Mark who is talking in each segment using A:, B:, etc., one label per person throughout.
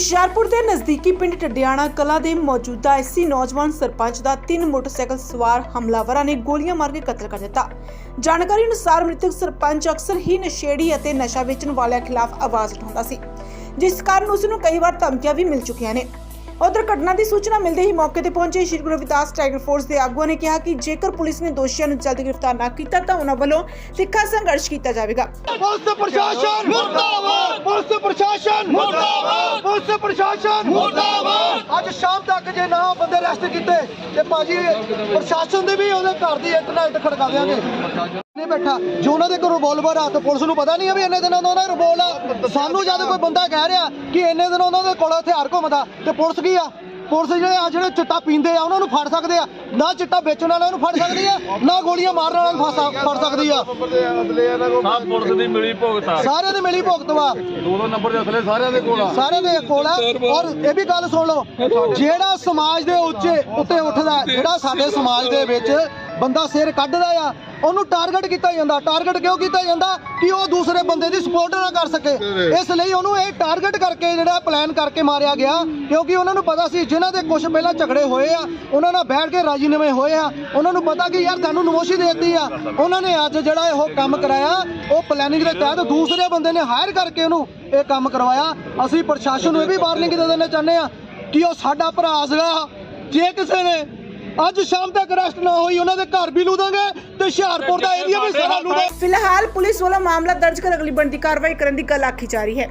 A: ਹੁਸ਼ਿਆਰपुਰ ਦੇ ਨਜ਼ਦੀਕੀ ਪਿੰਡ ਟੱਡਿਆਣਾ ਕਲਾਂ ਦੇ ਮੌਜੂਦਾ ਐਸੀ ਨੌਜਵਾਨ ਸਰਪੰਚ ਦਾ 3 ਮੋਟਰਸਾਈਕਲ ਸਵਾਰ ਹਮਲਾਵਰਾਂ ਨੇ ਗੋਲੀਆਂ ਮਾਰ ਕੇ ਕਤਲ ਕਰ ਦਿੱਤਾ। ਜਾਣਕਾਰੀ ਅਨੁਸਾਰ ਮ੍ਰਿਤਕ ਸਰਪੰਚ ਅਕਸਰ ਹੀ ਨਸ਼ੇੜੀ ਅਤੇ ਨਸ਼ਾ ਵੇਚਣ ਵਾਲਿਆਂ ਖਿਲਾਫ ਆਵਾਜ਼ ਉਠਾਉਂਦਾ ਸੀ, ਜਿਸ ਕਾਰਨ ਉਸ ਨੂੰ ਕਈ ਵਾਰ ਧਮਕੀਆਂ ਵੀ ਮਿਲ ਚੁੱਕੀਆਂ ਨੇ। उधर घटना की सूचना मिलते ही मौके पर पहुंचे श्री गुरु रविदास टाइगर फोर्स के आगुआ ने कहा कि जेकर पुलिस ने दोषियों को जल्द गिरफ्तार न किया तो उन्होंने वालों तिखा संघर्ष किया जाएगा।
B: पुलिस प्रशासन मुर्दाबाद, पुलिस प्रशासन मुर्दाबाद, पुलिस प्रशासन मुर्दाबाद। आज शाम तक जे ना बंदे अरेस्ट किए ते भाजी प्रशासन दे भी ओदे घर दी इंटरनेट खड़का देंगे। नहीं बैठा जो उन्होंने रिवॉल्वर आ तो पुलिस को पता नहीं है भी इन्ने दिनों का रिवॉल्वर सानू जब कोई बंदा कह रहा कि इन्ने दिनों उन्होंने कोल हथियार घुमदा ते पुलिस की आ पुलिस जो चिट्टा पींदे आ उन्होंने फड़ सकते हैं ना चिट्टा बेचने वालों फड़ सकती है ना गोलियां मारने वालों फड़ सकती है।
C: पुलिस दी मिली भुगत
B: सारे दी मिली भुगत वा
C: दो नंबर दे असले सारे दे कोल
B: सारे दे कोल और ये भी गल सुन लो जेड़ा समाज दे उत्ते उठदा जेड़ा साडे समाज दे विच बंदा सिर कड्ढदा आ ਉਹਨੂੰ ਟਾਰਗੇਟ ਕੀਤਾ ਜਾਂਦਾ। ਟਾਰਗੇਟ ਕਿਉਂ ਕੀਤਾ ਜਾਂਦਾ ਕਿ ਉਹ ਦੂਸਰੇ ਬੰਦੇ ਦੀ ਸਪੋਰਟ ਨਾ ਕਰ ਸਕੇ, ਇਸ ਲਈ ਉਹਨੂੰ ਇਹ ਟਾਰਗੇਟ ਕਰਕੇ ਜਿਹੜਾ ਪਲਾਨ ਕਰਕੇ ਮਾਰਿਆ ਗਿਆ, ਕਿਉਂਕਿ ਉਹਨਾਂ ਨੂੰ ਪਤਾ ਸੀ ਜਿਨ੍ਹਾਂ ਦੇ ਕੁਝ ਪਹਿਲਾਂ ਝਗੜੇ ਹੋਏ ਆ ਉਹਨਾਂ ਨਾਲ ਬੈਠ ਕੇ ਰਾਜੀਨਾਮੇ ਹੋਏ ਆ, ਉਹਨਾਂ ਨੂੰ ਪਤਾ ਕਿ ਯਾਰ ਤੁਹਾਨੂੰ ਨਮੋਸ਼ੀ ਦੇ ਦਿੱਤੀ ਆ। ਉਹਨਾਂ ਨੇ ਅੱਜ ਜਿਹੜਾ ਇਹ ਕੰਮ ਕਰਾਇਆ ਉਹ ਪਲੈਨਿੰਗ ਦੇ ਤਹਿਤ ਦੂਸਰੇ ਬੰਦੇ ਨੇ ਹਾਇਰ ਕਰਕੇ ਉਹਨੂੰ ਇਹ ਕੰਮ ਕਰਵਾਇਆ। ਅਸੀਂ ਪ੍ਰਸ਼ਾਸਨ ਨੂੰ ਇਹ ਵੀ ਵਾਰਨਿੰਗ ਦੇ ਦੇਣਾ ਚਾਹੁੰਦੇ ਆ ਕਿ ਉਹ ਸਾਡਾ ਭਰਾ ਸੀਗਾ, ਜੇ ਕਿਸੇ ਨੇ ਅੱਜ शाम तक अरेस्ट ना हुई उन्होंने घर भी लूदांगे ते हुशियारपुर दा एरिया भी सारा लूदा।
A: फिलहाल पुलिस वाला मामला दर्ज कर अगली बनती कार्रवाई करने की गल आखी जा रही है।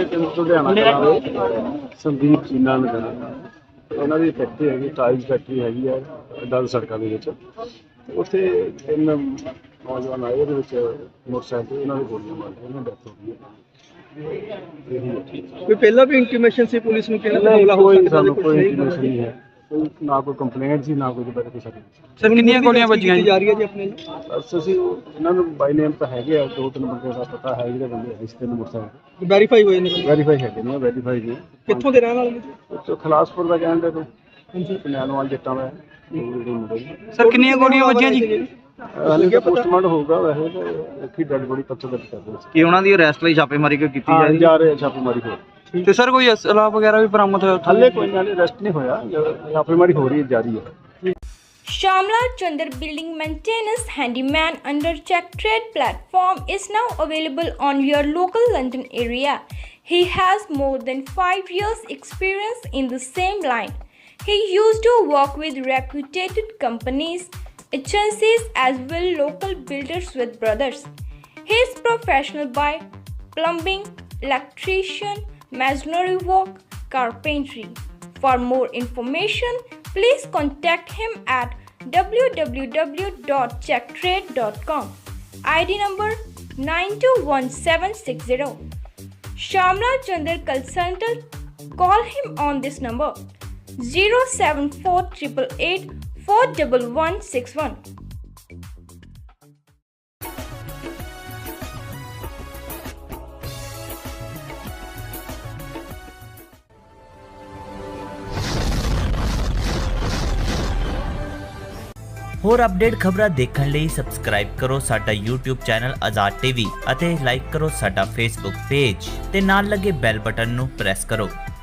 C: संदीप चीना नगर ਉਹਨਾਂ ਦੀ ਫੈਕਟਰੀ ਹੈਗੀ, ਟਾਈਲਸ ਫੈਕਟਰੀ ਹੈਗੀ ਆ ਡਲ ਸੜਕਾਂ ਦੇ ਵਿੱਚ। ਉੱਥੇ 3 ਨੌਜਵਾਨ ਆਏ, ਉਹਦੇ ਵਿੱਚ ਮੋਟਰਸਾਈਕਲ ਉਹਨਾਂ ਦੇ ਗੋਲੀਆਂ ਮਾਰ ਕੇ ਉਹਨਾਂ ਦੀ ਡੈਥ ਹੋ ਗਈ ਹੈ।
D: ਕੋਈ ਪਹਿਲਾਂ ਵੀ ਇੰਟੀਮੇਸ਼ਨ ਸੀ ਪੁਲਿਸ ਨੂੰ ਕਿਹਨਾਂ ਦਾ ਹਮਲਾ ਹੋ ਸਕਦਾ?
C: ਕੋਈ ਇੰਟੀਮੇਸ਼ਨ ਨਹੀਂ ਹੈ, ਨਾ ਕੋਈ ਕੰਪਲੇਂਟ ਸੀ ਨਾ ਕੋਈ ਬੈਠ ਕੇ ਸਾਡੀ।
D: ਸਰ ਕਿੰਨੀਆਂ ਗੋਲੀਆਂ ਵੱਜੀਆਂ ਜਾ ਰਹੀ ਹੈ ਜੀ ਆਪਣੇ?
C: ਬਸ ਅਸੀਂ ਇਹਨਾਂ ਨੂੰ ਬਾਈ ਨੇਮ ਤਾਂ ਹੈਗੇ ਆ, 2-3 ਬੰਦੇ ਦਾ ਪਤਾ ਹੈ ਜਿਹੜੇ ਬੰਦੇ ਇਸ ਤੇ ਮੋਟਰਸਾਈਕਲ
D: ਵੈਰੀਫਾਈ ਹੋਏ ਨੇ?
C: ਵੈਰੀਫਾਈ ਹੈਗੇ ਨੇ, ਵੈਰੀਫਾਈ ਨੇ।
D: ਕਿੱਥੋਂ ਦੇ ਰਹਿਣ ਵਾਲੇ ਨੇ?
C: ਉੱਥੋਂ ਖਲਾਸਪੁਰ ਦਾ ਕਹਿੰਦੇ ਤੋਂ ਪਨਿਆਲਵਾਲ ਜੱਟਾਂ ਦਾ।
D: ਸਰ ਕਿੰਨੀਆਂ ਗੋਲੀਆਂ ਵੱਜੀਆਂ ਜੀ?
C: ਹਾਲੇ ਕਿ ਪੋਸਟਮਾਰਟਮ ਹੋਊਗਾ, ਵੈਸੇ ਤਾਂ ਇੱਕ ਹੀ ਡੈਡ ਬੋਡੀ ਪੱਥਰ ਦਰਜ ਕਰ ਦਿੱਤੀ
D: ਕਿ ਉਹਨਾਂ ਦੀ ਅਰੈਸਟ ਲਈ ਛਾਪੇਮਾਰੀ ਕੀਤੀ
C: ਜਾ ਰਹੀ ਹੈ, ਛਾਪੇਮਾਰੀ ਹੋ।
D: ਤੇ ਸਰ ਕੋਈ ਅਸਲਾ ਵਗੈਰਾ ਵੀ ਬਰਾਮਦ ਹੋਇਆ?
C: ਹਾਲੇ ਕੋਈ ਨਾਲ ਅਰੈਸਟ ਨਹੀਂ ਹੋਇਆ, ਛਾਪੇਮਾਰੀ ਹੋ ਰਹੀ ਹੈ, ਜਾਰੀ ਹੈ।
E: Shamla Chandar Building Maintenance Handyman under Check Trade platform is now available on your local London area. He has more than 5 years experience in the same line. He used to work with reputed companies, agencies as well local builders with brothers. He is professional by plumbing, electrician, masonry work, carpentry. For more information, please contact him at www.checktrade.com. ID number 921760. Shamla Chandar Consultant. Call him on this number 07488 41161.
F: ਹੋਰ update ਖਬਰਾਂ ਦੇਖਣ ਲਈ subscribe ਕਰੋ ਸਾਡਾ YouTube channel Azad TV ਅਤੇ like ਕਰੋ ਸਾਡਾ Facebook page ਤੇ ਨਾਲ ਲੱਗੇ ਬੈਲ ਬਟਨ ਨੂੰ ਪ੍ਰੈਸ ਕਰੋ।